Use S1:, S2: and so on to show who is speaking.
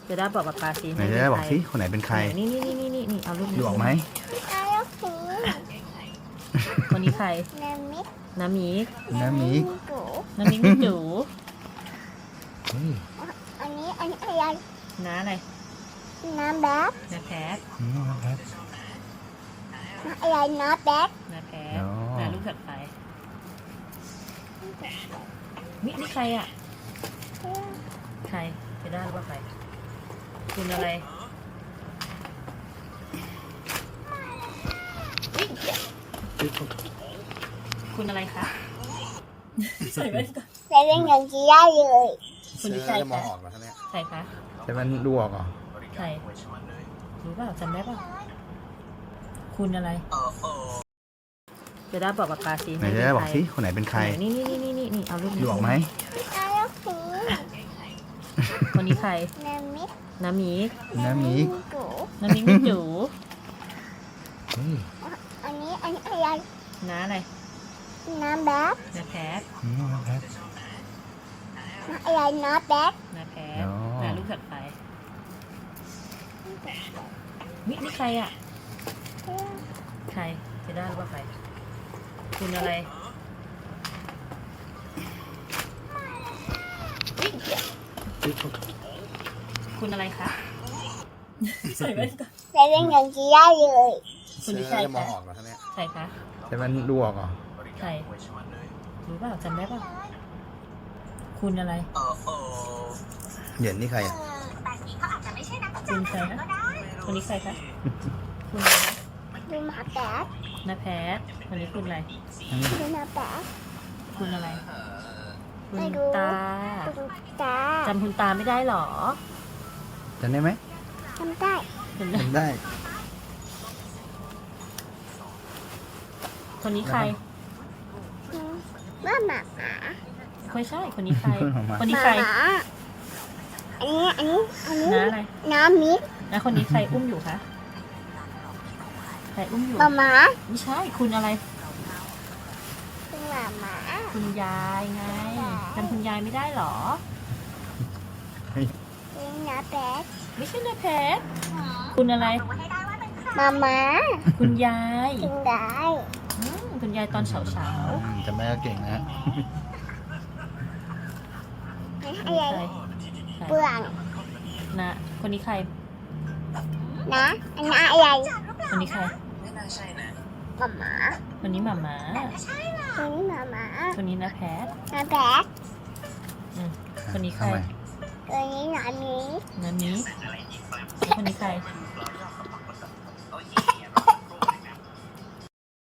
S1: จะได้บอกปาสิ
S2: ไหนจะได้บอกสิคนไหนเป็นใคร
S1: นี่เอารูปนี้
S2: ดูออกไหม
S1: คนนี้ใคร น้ำมิก
S2: น้ำมิก
S1: น้ำมิกนี่จู๋
S2: เฮ้ย
S3: อันนี้อะไร
S1: น้าอะไร
S3: น้ำแบ๊ก
S1: น้าแพท
S2: ครับ
S3: อะไรน้ำแบ๊ก
S1: น้าแพท
S2: อ๋อ
S1: น้าลูกถัดไปนี่ใครอ่ะใครจะได้หรือว่าใครคุณอะไรคุณอะไรคะใส่แว่นก่อน
S3: ใส่เป็นอย่างที่ได้เลย
S1: คุณที่ใคร
S2: จะมอง
S1: คะ
S2: ออกเหรอท่านเนี่ย
S1: ใครคะ
S2: แต่มันดูออกเหรอ
S1: ใครรู้เปล่าจำได้เปล่าคุณอะไรจะได้บอกปาสิ
S2: ไหนจะได้บอกสิคนไหนเป็นใคร
S1: นี่เอารูปนี้
S2: ดูออกไหม
S3: แล้วสี
S1: คนนี้ใคร
S3: น้ำมิก
S1: น้ำมิก
S2: น้ำมิก
S3: กู
S1: น้ำมิกนี่จู๋
S2: เฮ้ย
S3: อันนี้อะไร
S1: น้าอะไร
S3: น้ำแบ๊ก
S1: น้าแพท
S2: ครับ
S3: อะไรน้ำแบ๊ก
S1: น้าแพท
S2: อ๋อ
S1: น้าลูกถัดไปนี่ใครอ่ะใครจะได้หรือว่าใครคุณอะไรคุณอะไรคะใส่แว่นก่อน
S3: ใส่เป็นอย่างที่ได้เลย
S1: คุณที่ใคร
S2: จะมอง
S1: คะ
S2: ออกเหรอท่านเนี่ย
S1: ใครคะ
S2: แต่มันดูออกเหรอ
S1: ใครรู้เปล่าจำได้เปล่าคุณอะไร
S2: เหยินนี่ใครอ่ะ
S1: คุณใครนะคนนี้ใครคะคุณอะไรนะ
S3: ดูมาแบ๊ก
S1: นาแพทคนนี้คุณอะไร
S3: ดูมาแบ๊ก
S1: คุณอะไรคุณ
S3: ไม่รู้
S1: ตา
S3: ดูตา
S1: จำคุณตาไม่ได้หรอ
S2: จำได้ไหม
S3: ทำได้
S1: คุณ
S2: จำได้
S1: คนนี้ใคร
S3: ว่าหมา
S1: ไม่ใช่คนนี้ใคร
S2: หมา
S1: คนนี้ใคร
S3: หมาอันนี้
S1: น้าอะไร
S3: น้ำมิก
S1: น้าคนนี้ใครอุ้มอยู่คะใครอุ้มอยู่
S3: หมา
S1: ไม่ใช่คุณอะไร
S3: คือหมา
S1: คุณยายไงจำคุณยายไม่ได้หรอ
S3: คือน้ำแบ๊ก
S1: ไม่ใช่นาแพทคุณอะไร
S3: หมา
S1: คุณยาย
S3: กินได้
S1: คุณยายตอนเช้า
S2: จำได้ก็เก่งนะ
S1: ๆ
S3: อะไร
S1: ใคร
S3: เปลือง
S1: นะคนนี้ใคร
S3: นะอันนั้นอะไร
S1: คนนี้ใคร
S3: หมา
S1: คนนี้หมาหมา
S3: คือหมา
S1: คนนี้นาแพท
S3: น้ำแบ๊ก
S1: อืมคนนี้ใคร
S2: ทำไม
S3: ตัวนี้น้ำมิก
S1: นานี้คนนี้ใคร